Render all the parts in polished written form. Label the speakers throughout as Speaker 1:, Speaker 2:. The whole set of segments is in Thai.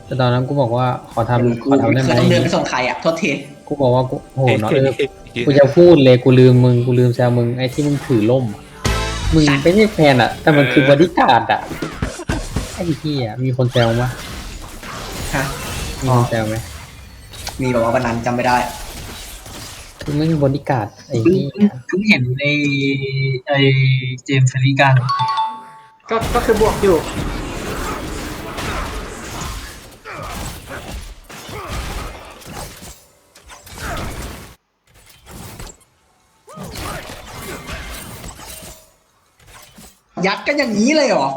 Speaker 1: แต่ตอนนั้นกูบอกว่าขอ
Speaker 2: กู
Speaker 1: ได้ไหม
Speaker 2: เคยต้องเดินไปส่งใครอ่ะโทษที
Speaker 1: กูบอกว่ากูโหเนาะกูจะพูดเลยกูลืมมึงกูลืมแซวมึงไอ้ที่มึงถือล่มอะมึงไม่ใช่แฟนอะแต่มันคือบอดี้การ์ดอะไอ้ที่อะมีคนแซวมั้ย
Speaker 2: ฮะ
Speaker 1: มีคนแซวไหม
Speaker 2: มีแบบว่าวันนั้นจำไม่ได้
Speaker 1: คือไม่มีบอดี้การ์ดไอ้ที่
Speaker 3: เพิ่งเห็นในไอเจมส์เฟรริกัน
Speaker 4: ก็คือบวกอยู่
Speaker 2: ยัดกันอย่างนี้เลยเหรอ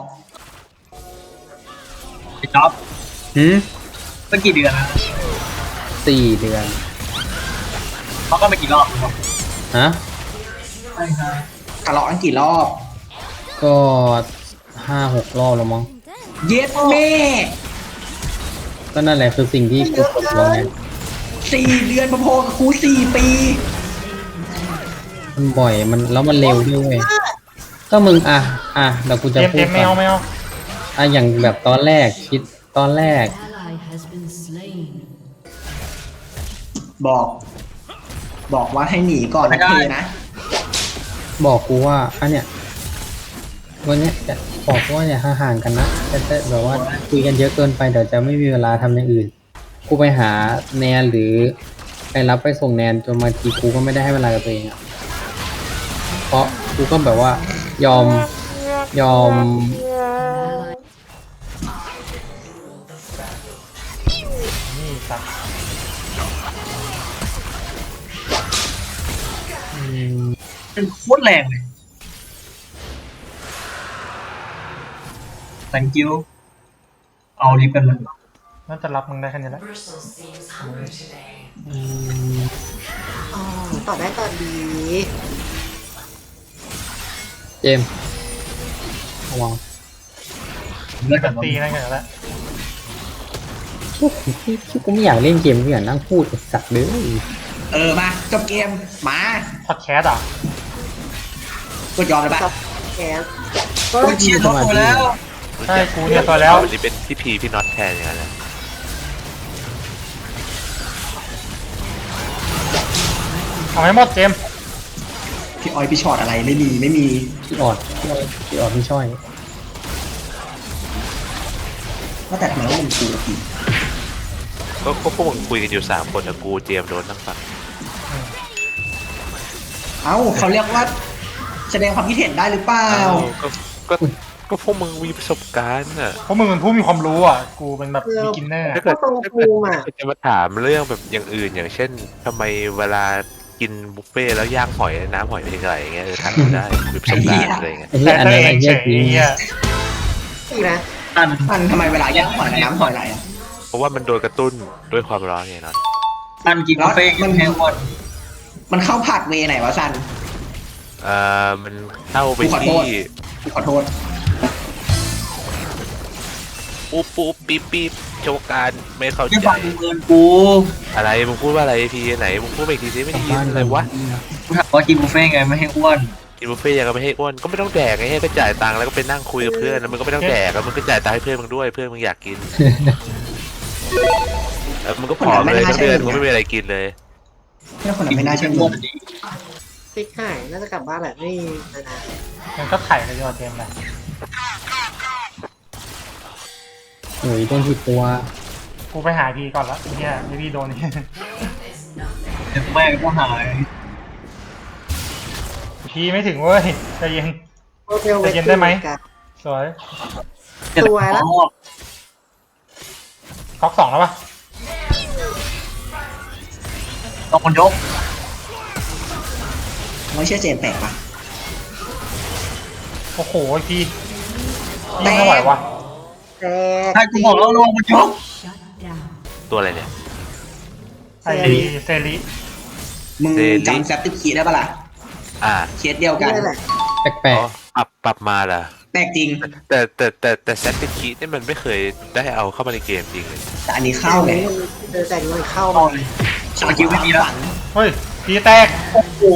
Speaker 3: ไอ้จ๊อบ
Speaker 1: หืม
Speaker 3: เมื่อกี่เดือนนะ
Speaker 1: 4 เดือน
Speaker 3: เขาก็มากี่รอบแล้ว
Speaker 1: ฮะ
Speaker 3: ใช่ใช่
Speaker 2: ทะเลาะกันกี่รอบ
Speaker 1: ก็5-6 รอบแล้วมั้ง
Speaker 2: เย็ดแม่
Speaker 1: ก็นั่นแหละคือสิ่งที่กูกดลงไง
Speaker 2: 4 เดือนพอๆกับกู4 ปี
Speaker 1: มันบ่อยมันแล้วมันเร็วด้วยเวยก็มึงเดี๋ยวกูจะ
Speaker 5: เจม
Speaker 1: พู
Speaker 5: เจ
Speaker 1: ด
Speaker 5: มไม่
Speaker 1: ก่
Speaker 5: เอา
Speaker 1: อน
Speaker 5: ไม่เอา
Speaker 1: อย่างแบบตอนแรกตอนแรก
Speaker 6: ally has been slain.
Speaker 2: บอกว่าให้หนีก่อนนะเคนะ
Speaker 1: บอกกูว่าอันเนี้ยวันเนี้ยจะบอกว่าอย่าห่างๆกันนะแต่แบบว่าคุยกันเยอะเกินไปเดี๋ยวจะไม่มีเวลาทำอย่างอื่น กูไปหาแนนหรือไปรับไปส่งแนนจนบางทีกูก็ไม่ได้ให้เวลากับตัวเองอะเพราะกูก็แบบว่ายอม
Speaker 5: นี่สัตว์
Speaker 3: เป็นโคตรแรงเลย thank you เอาลิฟต์กันเลย
Speaker 5: น่าจะรับมึงได้แค่นี้แหละ
Speaker 4: อ๋อต่อได้ต่อดี
Speaker 1: เจมส์ระวัง
Speaker 3: เลิกกัน
Speaker 5: ตีนั่นกันแล้ว
Speaker 1: ที่กูไม่อยากเล่นเกมกูอยากนั่งพูดไอ้สัตว์เลย
Speaker 2: มาจบเกมมา
Speaker 5: พอดแคสต์อ่ะ
Speaker 2: กดยอมเลยปะ
Speaker 4: แคส
Speaker 3: โอ้ยเชียร์ท็อปตัวแล้ว
Speaker 5: ใช่กูเนี่ยตัวแล้ว
Speaker 7: วันนี้เป็นพี่พีพี่น็อตแทนอย่างนั้นแหละ
Speaker 5: เอาให้หมดเจม
Speaker 2: พี่ออยพี่ช็อตอะไรไม่มี
Speaker 1: พี่ออดพี่ช่อย
Speaker 2: ว่าแต่ทำไมต้องเป็นกูอีก
Speaker 7: ก็พวกมึงคุยกันอยู่3 คนแต่กูเจมส์โดนทั้งฝั่ง
Speaker 2: เอ้าเขาเรียกว่าแสดงความคิดเห็นได้หรือเปล่า
Speaker 7: ก็ก็พวกมึงมีประสบการณ์อ่ะ
Speaker 5: เพราะมึงเป็นผู้มีความรู้อ่ะ กูเป็นแบบบิ๊กินเนอร์
Speaker 7: ถ้าเกิด
Speaker 4: ตรงภูมิอ่ะ
Speaker 7: จะมาถามเรื่องแบบอย่างอื่นอย่างเช่นทำไมเวลากินบุฟเฟ่ต์แล้วย่างหอยน้ำหอยเป็นยังไงอย่างเงี้ยถามได้มีประสบการณ์อะไรเงี้ย
Speaker 1: ไอ้เหี้ยอัน
Speaker 5: แต่
Speaker 1: นั้น
Speaker 5: เอ
Speaker 1: ไอ้
Speaker 5: ง
Speaker 1: เหี้
Speaker 5: เฉ
Speaker 1: ยจริง
Speaker 5: ยไอ้เหี้ย
Speaker 4: อีกนะ
Speaker 3: ตัน
Speaker 2: มันทำไมเวลาย่างหอยน้ำหอยไหลอ่ะ
Speaker 7: เพราะว่ามันโดนกระตุ้นด้วยความร้อนไงน็อต
Speaker 3: ตันกินบุฟเฟ่ต์กินแฮงวอน
Speaker 2: มันเข้าผัดเวไหนวะซัน
Speaker 7: มันเข้าไป
Speaker 2: กูขอโท
Speaker 7: ที่
Speaker 2: ษ กูขอโทษ
Speaker 7: ปุ๊บปุ๊บปิ๊บปิ๊บโชว์การไม่เข้า
Speaker 3: ที่
Speaker 7: ใจ
Speaker 3: ฟังมึงเกินกู
Speaker 7: อะไรมึงพูดว่าอะไรพีไหนมึงพูดไปอีกทีสิไม่ได้ยินอะไรวะ
Speaker 3: กูถามว่ากินบุฟเฟ่ต์ไงไม่ให้อ้วน
Speaker 7: กินบุฟเฟ่ต์ยังก็ไม่ให้อ้วนก็ไม่ต้องแดกไงให้ก็จ่ายตังค์แล้วก็ไปนั่งคุยกับเพื่อนแล้วมึงก็ไม่ต้องแดกแล้วมึงก็จ่ายตังค์ให้เพื่อนมึงด้วยเพื่อนมึงอยากกินแล้วมึงก็ผอมเลยทั้งเดือนมึงไม่มีอะไรกินเลย
Speaker 2: เพื่อนคนนั้นไม่น่าเชื่อ
Speaker 3: อ้
Speaker 2: มึ
Speaker 3: ว
Speaker 2: ง
Speaker 3: นดี
Speaker 4: ติ๊กหายน่าจะกลับบ้านแหละไม่นาน
Speaker 5: มันก็ไถ่เลยดีกว่าเจมส์ไป
Speaker 1: โอ้ยโดนผิดตัว
Speaker 5: กูไปหาพีก่อนละไอ้เนี่ยไอ้พี่โดนนี่
Speaker 3: เดี๋ยวแม่ก็หาย
Speaker 5: พีไม่ถึงเว้ยใจเย็น
Speaker 4: ๆโมเดล
Speaker 5: จะเย็นได้ไหม สวย
Speaker 4: สวยแล้ว
Speaker 5: ก๊อก2แล้วปะ
Speaker 3: ต้องคนยก
Speaker 2: ไม่เชื่อเจนแปลกปะ
Speaker 5: โอ้โหพียิงไม่ไหววะ
Speaker 4: แต่
Speaker 3: ใช่กูบอกแล้วลงมันยก
Speaker 6: Shut down.
Speaker 7: ตัวอะไรเนี่ย
Speaker 5: ไอ้เซริ
Speaker 2: มึง
Speaker 7: เซริ
Speaker 2: จำแซปติคีได้ปะล่ะ
Speaker 7: อ่า
Speaker 2: เคสเดียวกัน
Speaker 4: นี่แหละ
Speaker 1: แปล
Speaker 7: อ๋
Speaker 1: ก
Speaker 7: อปรับมาล่ะ
Speaker 2: แปลกจริง
Speaker 7: แต่แซตติคินี่มันไม่เคยได้เอาเข้ามาในเกมจริงเลย
Speaker 2: แต่อันนี้เข้าไง
Speaker 4: แต่งมันเข้า
Speaker 3: เอาเลยสกิลไม่มีแล้ว
Speaker 5: เฮ้ยพีแตก
Speaker 3: โอ้โห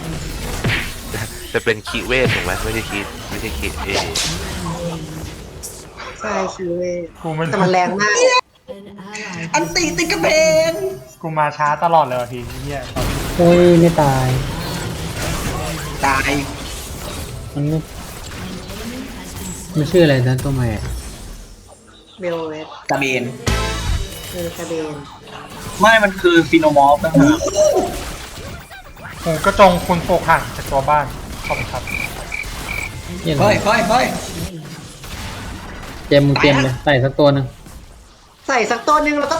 Speaker 7: แต่เป็นคีเวทถูกไหมไม่ใช่คีเอ
Speaker 4: ใช่คิวเว้ย
Speaker 5: กูมัน
Speaker 4: แต่มันแรงมาก
Speaker 6: An ally
Speaker 2: อันตีติดกระเพง
Speaker 5: กูมาช้าตลอดเลยว่ะพี่เฮีย
Speaker 1: โอ้ยไม่ตาย
Speaker 2: ตาย
Speaker 1: มันไม่มันชื่ออะไรนะตัวใหม่อะ
Speaker 4: เบลเวส
Speaker 2: ตาเบน
Speaker 4: คือคาเบน
Speaker 3: ไม่มันคือฟีโนมอร์ฟนะฮะ
Speaker 5: กูกระจงคุณโฟกห่างจากตัวบ้านขอบคุณครับ
Speaker 1: เหี้ย
Speaker 2: เฮ้ยเฮ้ยเฮ้ย
Speaker 1: เจมมึงเตรียมเลยใส่สักตัวหนึ่ง
Speaker 4: ใส่สักตัวหนึ่งแล้วก็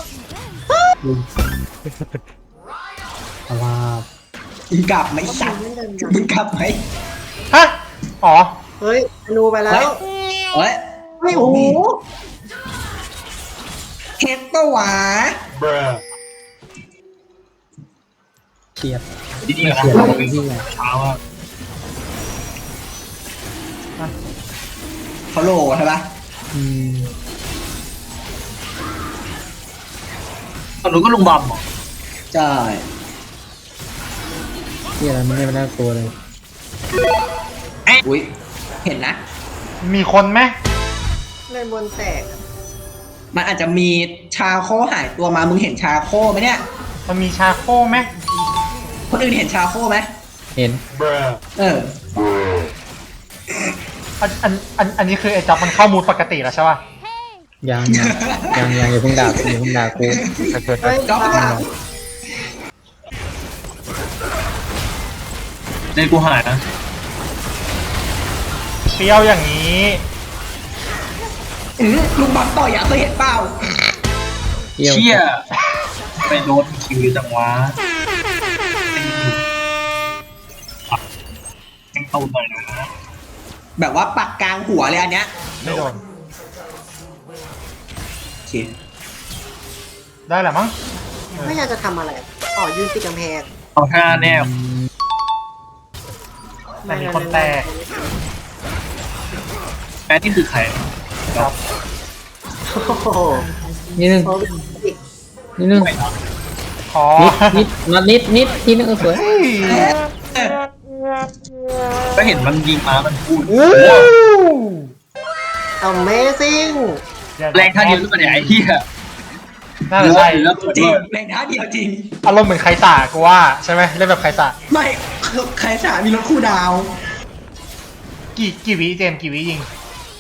Speaker 1: เอาว่า
Speaker 2: มึงกลับไหมสัตว์
Speaker 4: ไม่เดิน
Speaker 2: มึงกลับไหม
Speaker 5: ฮะอ๋อ
Speaker 4: เฮ้ยอนูไปแล้ว
Speaker 2: เฮ้ย
Speaker 4: เฮ้ยโอ้โห
Speaker 2: เฮ็ดปะวะ
Speaker 1: เฉียด
Speaker 3: ดีๆนะ
Speaker 1: เฉียดอะไรที่ไหน
Speaker 3: เช้าอ่ะ
Speaker 2: เขาโหลใช่ปะ
Speaker 1: อืม
Speaker 3: ตอนนู้นก็ลุงบอมเหรอ
Speaker 2: ใช่
Speaker 1: เฉียดอะไรมันไม่น่ากลัวเลย
Speaker 2: อุ้ยเห็นนะ
Speaker 5: มีคนไหม
Speaker 4: เล่นบนแตก
Speaker 2: มันอาจจะมีชาโคหายตัวมา มึงเห็นชาโคไหมเนี่ย
Speaker 5: มันมีชาโคไหม
Speaker 2: คนอื่นเห็นชาโคไหม
Speaker 1: เห็น
Speaker 2: เออ
Speaker 5: อันนี้คือไอ้จับมันเข้ามูดปกติแล้วใช่ป่ะ
Speaker 1: ยังอย่าเพิ่งด่ากูอย่าเพิ่งด่ากู
Speaker 4: เฮ้ย
Speaker 2: จ๊อบข้างหลัง
Speaker 3: ในกูหายนะ
Speaker 5: เปรี้ยวอย่างนี้
Speaker 2: ลุงบังต่อยอ่ะเคยเห็นเปล่า
Speaker 1: เที่ยว
Speaker 3: เชี่ยไปโดนคิวจังวะแข่งตูนหน่อยนะ
Speaker 2: แบบว่าปักกลางหัวเลยอันเนี้ย
Speaker 5: ไม่โดน
Speaker 2: โอเค
Speaker 5: ได้แหละมั้ง
Speaker 4: ไม่อยากจะทำอะไรอ๋อยืนติดกำแพง
Speaker 3: เอาท่าแนบ
Speaker 5: แต่มีคนแตก
Speaker 3: แม่ที่คือใคร
Speaker 5: ครับ
Speaker 4: โอ้โห
Speaker 1: นิดนึง
Speaker 4: โอ้ย
Speaker 1: นิดนึง
Speaker 5: ขอ
Speaker 1: นิดทีนึงสวย
Speaker 3: ก็เห็นมันยิงมามันพูด
Speaker 4: Amazing
Speaker 3: แรงท่าเดียวขึ้นมาเนี่ยไอ้เหี้ย
Speaker 5: น่าจะใช่
Speaker 3: แล้ว
Speaker 2: จริงแรงท้าเดียวจริง
Speaker 5: อารมณ์เหมือนใครสากูว่าใช่ไหมเล่นแบบใครสา
Speaker 2: ไม่ใครสามีรถคู่ดาว
Speaker 5: กี่วิเจมส์กี่วิยิง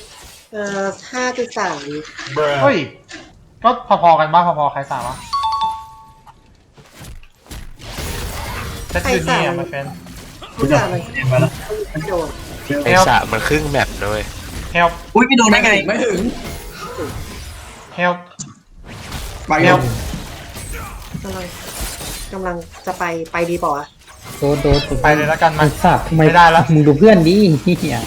Speaker 4: 5.3 วิ
Speaker 5: เฮ้ย ก็พอๆกันบ้างพอๆใครสาวะเซตยูนี่อ่ะมาเฟน
Speaker 4: ผู้จ่ามัน
Speaker 3: เห็นมาแล้ว
Speaker 4: ไม่โดน
Speaker 7: ไอ้สระมันครึ่งแมปเลย
Speaker 5: help
Speaker 3: อุ้ยไม่โดนได้ไง
Speaker 2: ไม่ถึง
Speaker 5: help
Speaker 2: ไปเร็ว
Speaker 4: กำลังจะไปดีเปล่าวะ
Speaker 1: โดด
Speaker 5: ไปเลยแล้วกันมา
Speaker 1: มันสับทำไม
Speaker 5: ไม่ได้แล้ว
Speaker 1: มึงดูเพื่อนดิเฮีย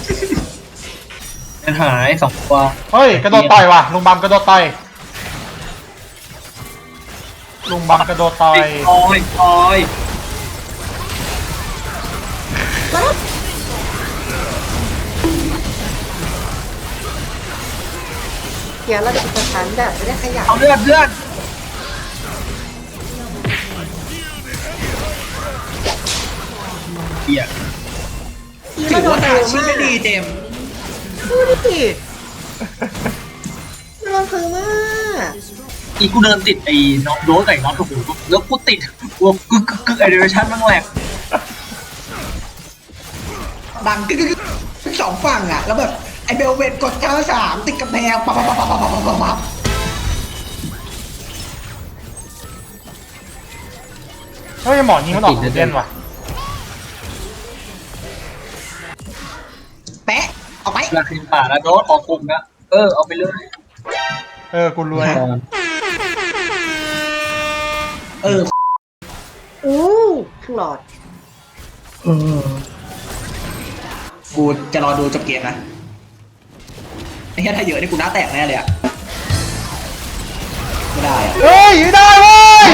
Speaker 3: มันหายสองตัว
Speaker 5: เฮ้ยกระโดดต่อยว่ะลุงบัมกระโดดต่อยลุงบัมกระโดดต่อย
Speaker 3: คอย
Speaker 4: เขียนระดับชั้นแบบไม่ได้ขยับ
Speaker 3: เอาเลือดเหี้ย
Speaker 2: ถือว่าหาชื่อไม่ดีเจมส์
Speaker 4: ดูดิมันคือมาก
Speaker 3: อีกูเดินติดไอ้น็อกโดสไอ้น็อตโอ้โหแล้วกูติดกูกึกไอเดเรชั่นมันแหลก
Speaker 2: ดังกึกสองฝั่งอ่ะ แล้วแบบไอเบลเวตกด93ติดกระแพงปั๊บ
Speaker 5: เฮ้ยหมอยิงมันออกเด่นว่ะ
Speaker 2: แปะเอาไป
Speaker 3: ราคินป่าแล้วโดสออกกลุ่มนะเอาไปเลย
Speaker 5: กูรวย
Speaker 1: ตอน
Speaker 4: อู้ครึ่งหลอด
Speaker 2: กูจะรอดูจบเกมนะไอ้แค่ถ้าเยอะนี่กูหน้าแตกแน่เลยอ่ะไม่ได้อ่ะ
Speaker 5: เฮ้ยไม่ได้เว้ย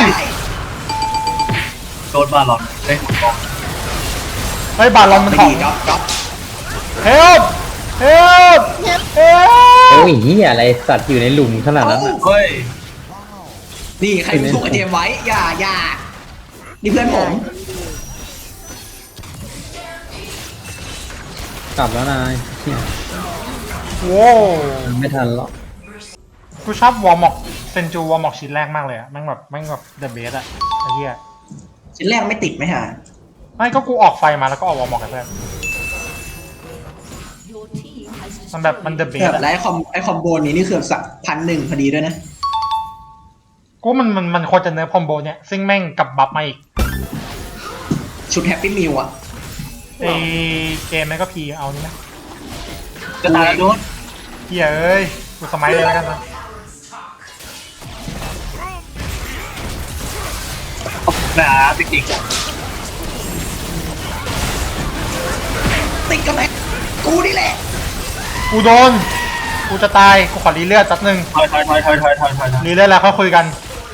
Speaker 3: โดนบาลอนได้หัวกอง
Speaker 5: เฮ้ยบาลอนมัน
Speaker 2: ไม่
Speaker 5: ของ
Speaker 2: ดีจ๊อบ
Speaker 5: help help help
Speaker 1: โอ้ยเฮียอะไรสัตว์อยู่ในหลุมขนาดนั้นอ่ะ
Speaker 3: เฮ้ย
Speaker 2: นี่ใครถูกไอเจมไว้อย่านี่เพื่อนผม
Speaker 1: กลับแล้วนายเฮีย
Speaker 5: โว้ว
Speaker 1: ไม่ทันหรอก
Speaker 5: กูชอบวอร์มอกเซนจูวอร์มอกชิ้นแรกมากเลยอะแม่งแบบเดอะเบสอะไอ้เหี้ย
Speaker 2: ชิ้นแรกไม่ติดไหมฮะ
Speaker 5: ไม่ก็กูออกไฟมาแล้วก็ออกวอร์มอกกันเพื่อน
Speaker 6: Your team has
Speaker 5: มันแบบมัน
Speaker 6: destroyed
Speaker 5: เดอะเบ
Speaker 2: แบบ
Speaker 5: สอะ
Speaker 2: ไอ้คอมโบนี้นี่คือสัก1,100พอดีด้วยนะ
Speaker 5: กูมันควรจะเนื้อคอมโบเนี่ยซึ่งแม่งกลับบัฟมาอีก
Speaker 2: ชุดแฮปปี้มิวอะ
Speaker 5: ไอเกมแม่งก็พีเอานี่นะ
Speaker 3: จะตายแล้วโดน
Speaker 5: เหี้ยเอ้ยกูสมัยเลยแล้วกันนะ
Speaker 3: นะจริง
Speaker 2: ติดกับแม็กกูนี่แหละ
Speaker 5: กูโดนกูจะตายกูขอรีเลือดแป๊บนึง
Speaker 3: ๆถอย
Speaker 5: รีเลือดแล้วค่อยคุยกัน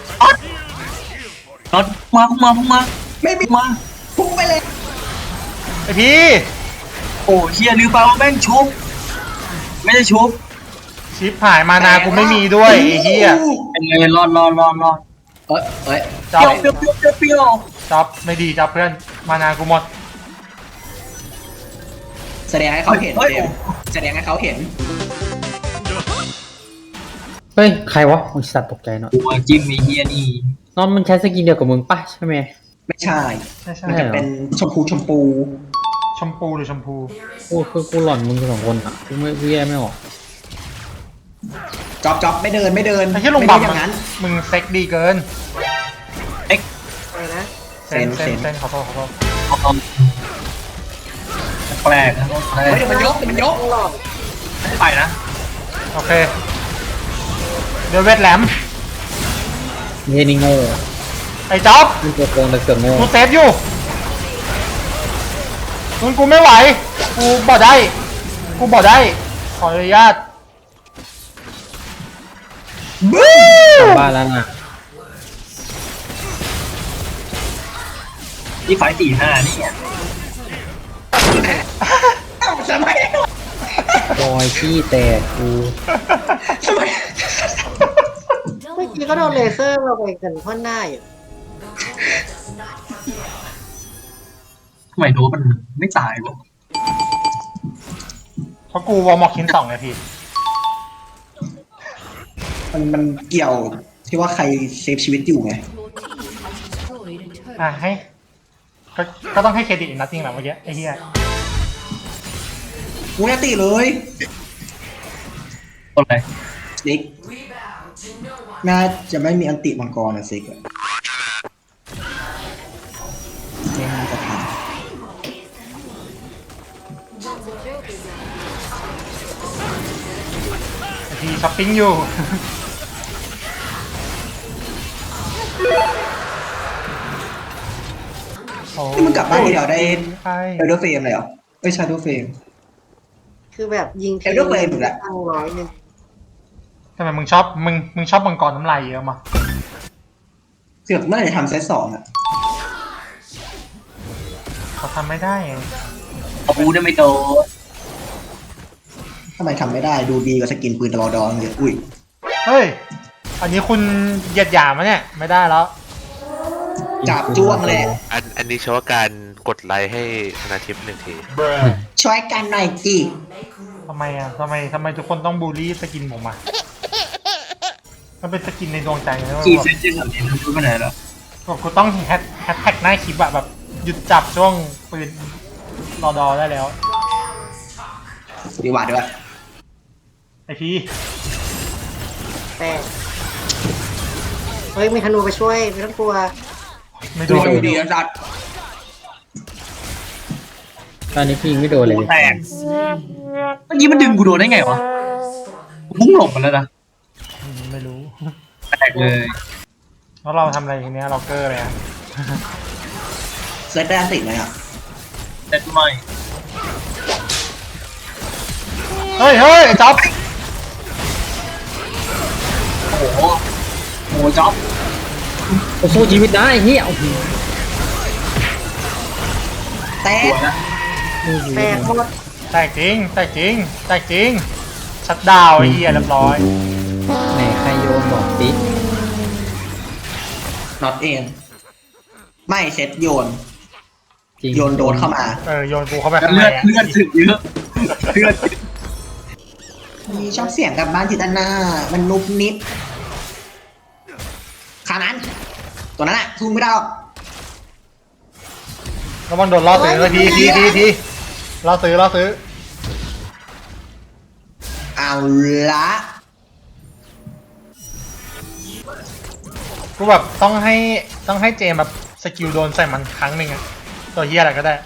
Speaker 3: น็อตมา
Speaker 2: ไม่มี
Speaker 3: มา
Speaker 2: พุ่งไปเลย
Speaker 5: ไอพี่
Speaker 3: โอ้เฮียลืมไปว่าแม่งชุบไม่ได้ชุบ
Speaker 5: ชิปหายมานากูไม่มีด้วยไอ้เหี้ย
Speaker 3: เป็นไงรอด
Speaker 2: เอ้ย
Speaker 5: จ๊อบ
Speaker 3: เปรี้ยว
Speaker 5: จ๊อบไม่ดีจ๊อบเพื่อนมานากูหมด
Speaker 2: แสดงให้เขาเห็นเจมส์แสดงให้เขาเห็น
Speaker 1: เฮ้ยใครวะมึงสัตว์ตกใจเนาะ
Speaker 3: ตัวจิ้มไอ้เฮียนี่
Speaker 1: นอนมันใช้สกินเดียวกับมึงป่ะใช่ไหม
Speaker 2: ไม่ใช่
Speaker 5: ใช่
Speaker 2: มันจะเป็นชมพู
Speaker 5: ชมพูหรือชมพู
Speaker 1: กูหล่อนมึงสองคนอ่ะกูแยกไม่ออก
Speaker 2: จ๊อบไม่เดิน
Speaker 5: ไอ้เหี้ยลงบัฟ
Speaker 2: อย่างนั้น
Speaker 5: มึงเซ็กดีเกิน
Speaker 4: อะไรนะ
Speaker 5: เซน
Speaker 2: เซน
Speaker 5: ขอโทษ
Speaker 3: แปลกนะ
Speaker 2: เฮ้ยเดี๋ยวมันยก
Speaker 4: ต้องหลอด
Speaker 3: ไปนะ
Speaker 5: โอเคเดี๋ยวเวทแหลม
Speaker 1: เฮยนี่โง่
Speaker 5: ไอ้จ๊อบ
Speaker 1: มึงตัวโกงแต่เสือกโง่
Speaker 5: กูเซฟอยู่มึงกูไม่ไหวกูบ่ได้ขออนุญาต
Speaker 1: กลับบ้านแล้วนะ
Speaker 3: นี่ไฟ4-5นี่
Speaker 2: เอ้าทำไม
Speaker 1: รอยขี้แตกกู
Speaker 2: ทำไม
Speaker 4: เมื่อกี้ก็โดนเลเซอร์มาไปกันพ่นหน้าอยู่
Speaker 3: ทำไมโดนมันไม่ตายวะ
Speaker 5: เพราะกูวอร์มอกชิ้น2ไงพี่
Speaker 2: มันเกี่ยวที่ว่าใครเซฟชีวิตอยู่ไง
Speaker 6: your team has destroyed a turret.
Speaker 5: อ่ะให้ก็ต้องให้เครดิตนัตติ้งแหละเมื่อกี้ไอ้เหี้ย
Speaker 2: กูจะตีเลย
Speaker 3: คนอะไร
Speaker 2: ซิกน่าจะไม่มีอันติมังกรนะซิกอะไม่น่าจะทัน
Speaker 5: ไอ้พี่ช้อปปิ้งอยู่
Speaker 2: นี่มึงกลับบ้านทีเดียวได้
Speaker 5: ใช่
Speaker 2: เอลเดอร์เฟรมเลยเหรอไม่ใช่เอลเดอร์เฟรม
Speaker 4: คือแบบยิง
Speaker 2: เอลเดอร์เฟรมอีกแล้ว
Speaker 4: ตั้ง100
Speaker 5: ทำไมมึงชอบมังกรน้ำลายเยอะมา
Speaker 2: เสือกเมื่อไหร่จะทำเซต2อ่ะ
Speaker 5: เขาทำไม่ได้ไง
Speaker 3: เอาบูได้ไม่โดน
Speaker 2: ทำไมทำไม่ได้ดูดีกว่าสกินปืนตลอดองเลยอุ้ย
Speaker 5: เฮ้ยอันนี้คุณเหยียดหยามมะเนี่ยไม่ได้แล้ว
Speaker 2: จับจ้วงเลย
Speaker 7: อันนี้เฉพาะการกดไลค์ให้ธนาทิพย์1 ที
Speaker 2: ช่วยกันหน่อยจี
Speaker 5: ทำไมอ่ะทำไมทุกคนต้องบูลลี่สกินผมอ่ะมันเป็นสกินในดวงใจนะ
Speaker 3: กี่เซนจิ้มแบบนี้รู้ไปไหนแล้ว
Speaker 5: กูต้องแฮชแท็กหน้าคลิปอะแบบหยุดจับช่วงปืนรอดอได้แล้ว
Speaker 2: ดีกว่าด้วย
Speaker 5: ไอพี่
Speaker 4: แต่เฮ้ยมีธนูไปช่วยไม่ต้องกลัว
Speaker 5: ไม่
Speaker 2: ดู
Speaker 5: โดน
Speaker 2: ดีนะจัด
Speaker 1: ตอนนี้พี่ยิงไม่โดนเลย
Speaker 3: แตก
Speaker 6: Slain.
Speaker 3: เมื่อกี้มันดึงกูโดนได้ไงวะพุ่งหลบมันแล้วนะ
Speaker 5: ไม่รู้
Speaker 3: แตกเลย
Speaker 5: แล้วเราทำอะไรทีเนี้ยเราเกอร์เลยอะ
Speaker 2: เซตได้อันติไหมอ่ะ
Speaker 3: เซ็ตไม่
Speaker 5: เฮ้ยไอ้จ๊อบ
Speaker 3: โอ้โหโอ้จ๊อบ
Speaker 1: กูสู้ชีวิตได้เฮียโอ้โห
Speaker 2: แต่
Speaker 3: สวยนะ
Speaker 4: แตกหมด
Speaker 5: แตกจริงชัดดาวน์ไอ้เหี้ยเรียบร้อย
Speaker 1: ไหนใครโยนบอกสิ
Speaker 2: น็อตเองไม่เซตโยน
Speaker 1: จริง
Speaker 2: โยนโดนเข้ามา
Speaker 5: โยนกูเข้าไปข้างใน
Speaker 3: เลือด
Speaker 5: อะ
Speaker 3: ถึงเยอะเลือด
Speaker 2: มีชอบเสียงกับบ้านจิตนามันนุบนิบขานั้น ตัวนั้นแหละทุ่มไม่ได้หรอก
Speaker 5: แล้วมันโดนล่อซื้อเลยทีล่อซื้อ
Speaker 2: เอาละ
Speaker 5: กูแบบต้องให้เจมแบบสกิลโดนใส่มันครั้งหนึ่งอะตัวเฮียอะไรก็ได้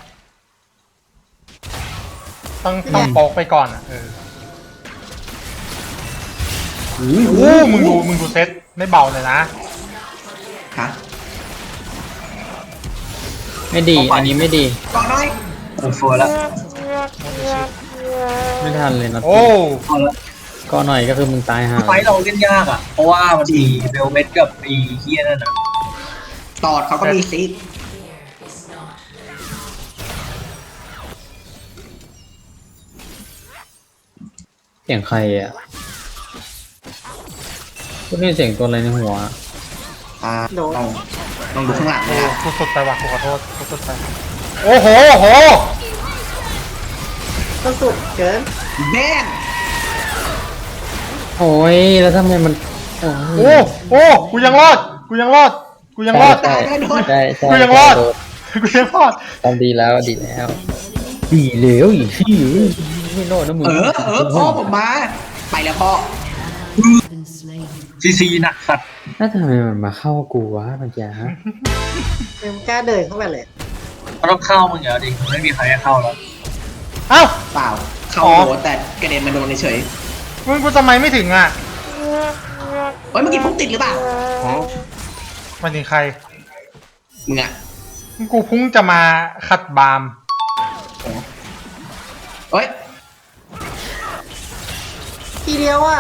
Speaker 5: ต้องโป๊กไปก่อนอะโอ้มึงดูเซตไม่เบาเลยนะ
Speaker 2: ฮะ
Speaker 1: ไม่ดี อันนี้ไม่ดี
Speaker 2: ก่อนหน่อย
Speaker 3: โอ้โหแล้ว
Speaker 1: ไม่ทันเลยนะ
Speaker 5: โอ้
Speaker 3: เอาละ
Speaker 1: ก็หน่อยก็คือมึงตายห่า
Speaker 3: ไฟเราเล่นยากอ่ะเพราะว่ามันมีเบลเมดกับไอ้เฮียนั่นอ่ะ
Speaker 2: ตอดเขาก็มีซิก
Speaker 1: เสียงใครอ่ะกูได้ยินเสียงตัวอะไรในหัว
Speaker 2: ต้องดูข้างหลังเลยนะ
Speaker 5: กูสุดไปว่ะกูขอโทษกูสุดไปโอ้โห
Speaker 4: ก็สุดเกิน
Speaker 2: แบน
Speaker 1: โอ้ยแล้วทำไมมันโอ้
Speaker 5: โอ้กูยังรอด
Speaker 1: ใช่
Speaker 5: กูยังรอด
Speaker 1: กูยังรอด
Speaker 5: ทำดีแล้ว
Speaker 1: ดีแล้วอีกที่ไม่รอดนะมึง
Speaker 2: พ่อผมมา ไปแล้วพ่อ
Speaker 6: been slain.
Speaker 3: ซีหนักสัตว์
Speaker 1: แล้วทำไมมันมาเข้ากูวะเมื่อกี้ฮะ
Speaker 4: มึงกล้าเดินเข้าไปเลย
Speaker 3: มันต้องเข้ามึงเหรอดิไม่มีใครให้เข้าแล้ว
Speaker 5: เอ้า
Speaker 2: เปล่า เข้าโดนแต่กระเด็นมาโดนเฉย
Speaker 5: มึงกูทำไมไม่ถึงอ่ะ
Speaker 2: เฮ้ยเมื่อกี้พุ่งติดหรือเปล่า
Speaker 5: มันถึงใคร
Speaker 2: มึงอะ
Speaker 5: กูพุ่งจะมาขัดบาล์ม
Speaker 2: เฮ้ย
Speaker 4: ทีเดียวอ่ะ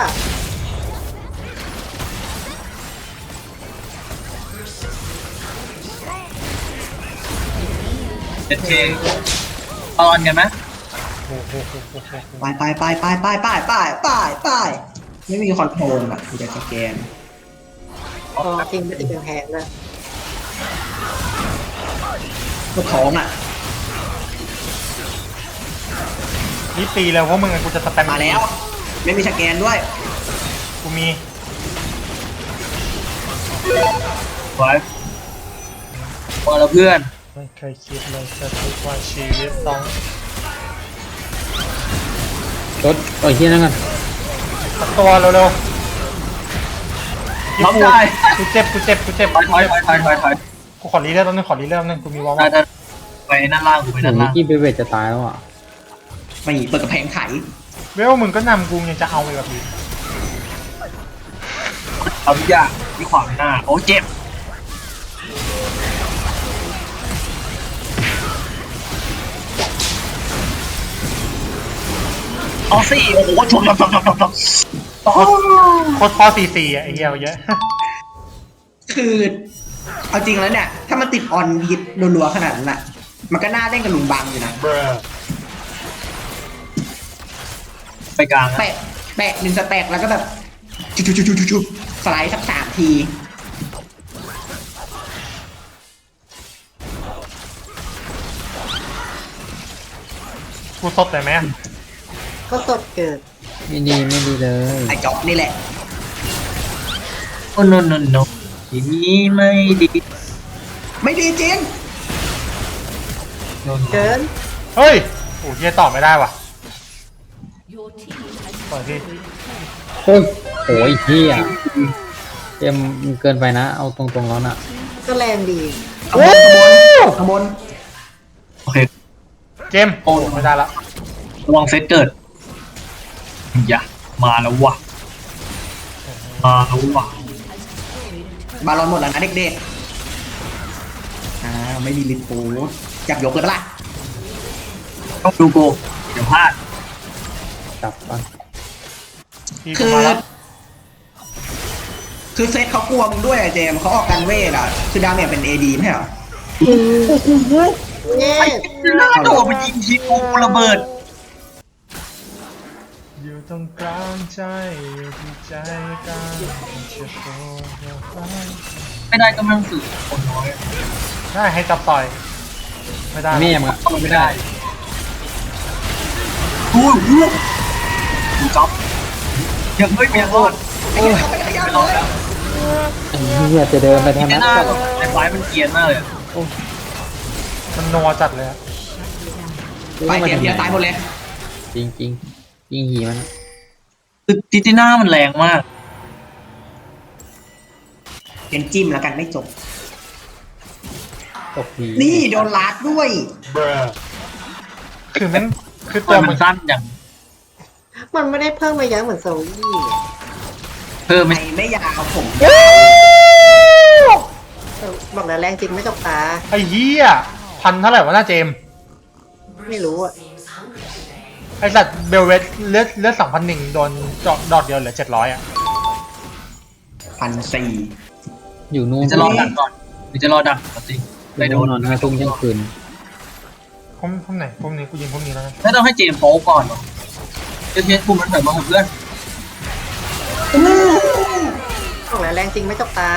Speaker 3: เจ็ดเคตอนกันไหม
Speaker 2: ไปไม่มีคอนโทรลอะมีแต่สแกน
Speaker 4: อ๋อจริงไม่ติดกำแพงเลย
Speaker 2: ก็ท้องอะ
Speaker 5: นี่ตีแล้วเพราะมึงอะกูจะสแปม
Speaker 2: มาแล้ว ไม่มีสแกนด้วย
Speaker 5: กูมี
Speaker 3: ไว้พอแล้วเพื่อน
Speaker 5: ไม่เคยคิดเลยจะคิดว่าชีวิตต้อง
Speaker 1: รถต่อยเฮียนั่นกัน
Speaker 5: สักตัวเร็ว
Speaker 3: น้องได้
Speaker 5: ๆกูเจ็บ
Speaker 3: ถอย
Speaker 5: กูขอรีเลือดแป๊บนึงกูมีวอล
Speaker 3: ได้ไปนั่นล่างกูไป
Speaker 1: ถึ
Speaker 3: นั่
Speaker 1: ง
Speaker 3: น
Speaker 1: นิ
Speaker 3: ล่าก ง
Speaker 1: กี้เบเวตจะตายแล้วอ่ะ
Speaker 2: ไม่เปิดกระแพงไข
Speaker 5: เวลมึงก็นำกูยังจะเอาไปกับพี่
Speaker 3: เอาทุกอย่างที่ขวางหน้าโอ้เจ็บเอาสิโอ้โหชนโอ้
Speaker 5: โคตรพ่อ4-4อ่ะไอ้เหี้ยเยอะ
Speaker 2: คือ เอาจริงแล้วเนี่ย ถ้ามันติดออนฮิตรัวๆขนาดนั้นอะมันก็น่าเล่นกับลุงบังอยู่นะ
Speaker 3: ไปกลาง
Speaker 2: แปะหนึ่งสแต็กแล้วก็แบบจุบสไลด์สัก3 ที
Speaker 5: กูซดได้ไหมอะ
Speaker 4: ก็สดเกิด
Speaker 1: ไม่ดีเลย
Speaker 2: ไอ้จ๊อบนี่แหละ
Speaker 3: โอ้โนทีนี้ไม่ดี
Speaker 2: ไม่ดีจริง
Speaker 4: เกิน
Speaker 5: เฮ้ยโอ้เหี้ยตอบไม่ได้ว่ะ
Speaker 6: Your team has
Speaker 5: ปล่อยพี่
Speaker 1: โอ้ยโอ้ยเฮียเจมมันเกินไปนะ เอาตรงๆแล้วน่ะ
Speaker 4: ก็แรงดี
Speaker 2: ขบวน
Speaker 3: โอเค
Speaker 5: เจมโอ้ไม่ได้ละ
Speaker 3: ระวังเซตเกิดอย่ามาแล้ววะ
Speaker 2: บาลอนหมดแล้วนะเด็กๆไม่มีลิปโป้จับยกเลยปะล่ะ
Speaker 3: ต้องดูโกเดี๋ยวพลาด
Speaker 1: จับก่อน
Speaker 5: พี่กู
Speaker 2: คือ
Speaker 5: มาแล้ว
Speaker 2: คือเซตเขากลัวมึงด้วยอะเจมส์เขาออกกันเวทอะคือดาเมจเป็น AD ไม่ใช่เหรอ
Speaker 4: เย้
Speaker 3: โดดไปยิงทีกูระเบิด
Speaker 5: อยู่ตรงกลางใจอยู่ที่ใจกลางจะโผล่ออกไป
Speaker 3: ไม่ได้ก็ไม่ต้องสื่อคนน้อย
Speaker 5: ได้ให้จับต่อย ไม่ได้
Speaker 1: แม่มึงอะ
Speaker 3: ไม่ได้ดูจ๊อบยังไม่มีรอด
Speaker 2: ไอ้เหี้ยเขาไม่ได้ขยับ
Speaker 3: ไม่
Speaker 2: เล
Speaker 3: รอด
Speaker 2: ย
Speaker 3: แล้ว
Speaker 1: ไอ้เหี้ยจะเดินไป
Speaker 3: ที่
Speaker 1: ทาง
Speaker 3: ไม่
Speaker 1: นั้น
Speaker 3: น่า
Speaker 1: ก็
Speaker 3: ไอ้ไฟมันเกรียนมากเลย
Speaker 5: มันนัวจัดเลยอะ
Speaker 2: ไปเพียตายหมดเลย
Speaker 1: จริงจริงยิงหีมัน
Speaker 3: คือติติน่ามันแรงมาก
Speaker 2: เป็นจิ้มแล้วกันไม่จบ
Speaker 1: ตกดี
Speaker 2: นี่โดนลาดด้วย
Speaker 5: คือแม่งคือ
Speaker 3: ตั
Speaker 5: ตัว ว
Speaker 3: มั
Speaker 5: มัน น
Speaker 3: สั้นอย่าง
Speaker 4: มันไม่ได้เพิ่มระยะเหมือนโซลี่
Speaker 3: เพิ่ม
Speaker 2: ไม่
Speaker 3: ไม่
Speaker 2: ไม่อยากเอาผม
Speaker 4: บอกแล้วแรงจริงไม่จกตา
Speaker 5: ไอ้เหี้ยพันเท่าไหร่วะหน้าเจมส์
Speaker 4: ไม่รู้อ่ะ
Speaker 5: ไอสัตว์เบลเวสเลือด2,001โดนดอกเดียวเหลือ700อ่ะ
Speaker 2: 1,400
Speaker 1: อยู่นู่น
Speaker 3: จะรอดักก่อนหรือจะรอดักปกติไม่โดน
Speaker 1: นอน5 ทุ่มเที่ยงคืน
Speaker 5: พวกไหนพวกนี้กูยิงพวกนี้แล้วนะ
Speaker 3: ไม่ต้องให้เจมส์โป๊ก่อนหรอเทสปุ่มมันเถิดมาผมเพื่อน
Speaker 4: บอกแล้วแรงจริงไม่จกตา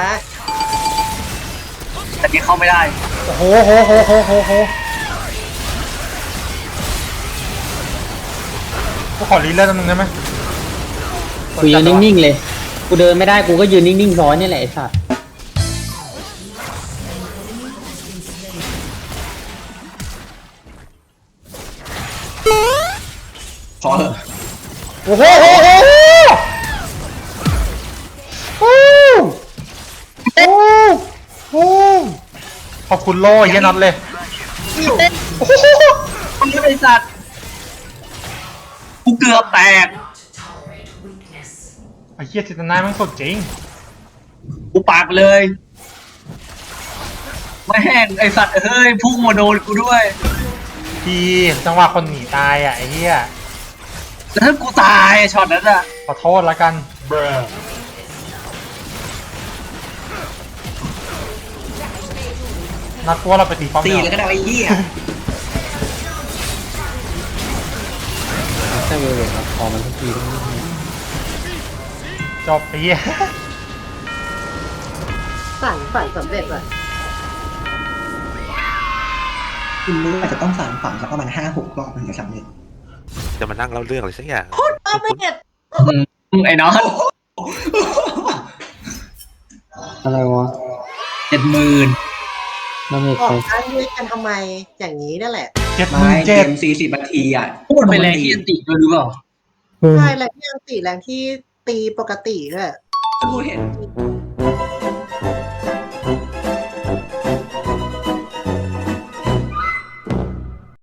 Speaker 3: แต่ที่เข้าไม่ได้
Speaker 5: โอ้โหกูขอรีเลือดนึงได้ไหม
Speaker 1: กูยืนนิ่งๆเลย กูเดินไม่ได้กูก็ยืนนิ่งๆซ้อนนี่แหละไอ้สัตว์
Speaker 2: ขอเถอะ
Speaker 5: โอ้โหขอบคุณโล่เฮียน็อตเลย
Speaker 3: มันไม่ได้สัตว์กูเกือบแตก
Speaker 5: ไอ้เฮียจิตนามันสดจริง
Speaker 3: กูปากเลยไม่แห้งไอสัตว์เฮ้ยพุ่งมาโดนกูด้วย
Speaker 5: พี่จังหวะคนหนีตายอ่ะไอ้เฮีย
Speaker 3: แล้วถ้ากูตายช็อตนั้นอะ
Speaker 5: ขอโทษละกันนัดว่าเราไปตีป้อม
Speaker 2: ตี
Speaker 5: เดียว
Speaker 2: เลยก็ได้ไอ้เหี้ย
Speaker 1: ถ้าเวลครับพอมันทุกทีต้องนิ่ง
Speaker 5: จบไอ้เฮีย
Speaker 4: ฝันสำเร็จว่ะ
Speaker 2: คุณรู้อาจจะต้องสั่งฝังสักประมาณ5-6 รอบถึงจะสำเร็จ
Speaker 7: จะมานั่งเล่าเรื่องอะไรสักอย่าง
Speaker 4: สำเร็จ
Speaker 3: ไอ้น้อง
Speaker 1: ๆอะไรวะ
Speaker 3: 70,000
Speaker 1: เราไม่
Speaker 4: อ
Speaker 1: เค
Speaker 4: อก
Speaker 1: ย
Speaker 4: ข้างด้วยกันทำไมอย่างนี้นั่นแหละ
Speaker 2: ไม่เก
Speaker 5: 77,000
Speaker 2: ม40 นาทีอ่ะ
Speaker 3: พูดไปแรงที่ยันติด้วยหรือเปล่า
Speaker 4: ใช่แรงที่ยังตีแรงที่ตีปกติด้วย
Speaker 2: กูเห็น